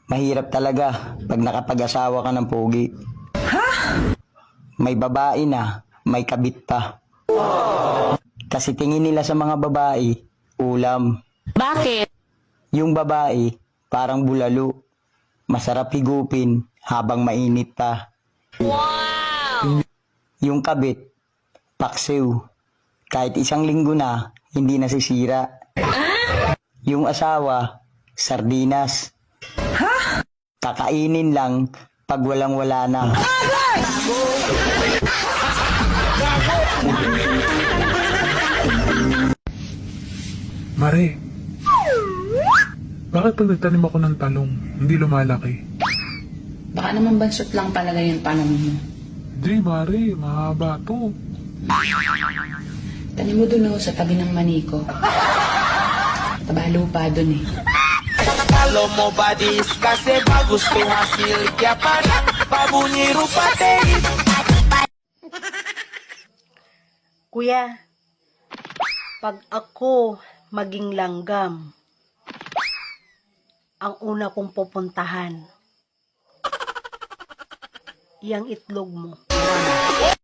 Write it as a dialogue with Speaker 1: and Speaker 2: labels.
Speaker 1: Mahirap talaga pag nakapag-asawa ka ng pogi. May babae na, may kabit pa. Kasi tingin nila sa mga babae, ulam.
Speaker 2: Bakit?
Speaker 1: Yung babae, parang bulalo. Masarap higupin habang mainit pa.
Speaker 2: Wow!
Speaker 1: Yung kabit, paksiw. Kahit isang linggo na, hindi nasisira. Yung asawa, sardinas. Kakainin lang pag walang-wala na.
Speaker 3: Mare, bakit pag nagtanim ako ng talong, hindi lumalaki?
Speaker 4: Baka naman bansot lang talaga yung panahon mo.
Speaker 3: Hindi, Mare, mahaba to.
Speaker 4: Tanim mo dun sa tabi ng maniko. Taba lupa dun eh.
Speaker 5: Kalau mau badis kasih bagus tuh hasil kiapan babunyi rupa teh.
Speaker 6: Kuya, pag ako maging langgam, ang una kong pupuntahan, yang itlog mo.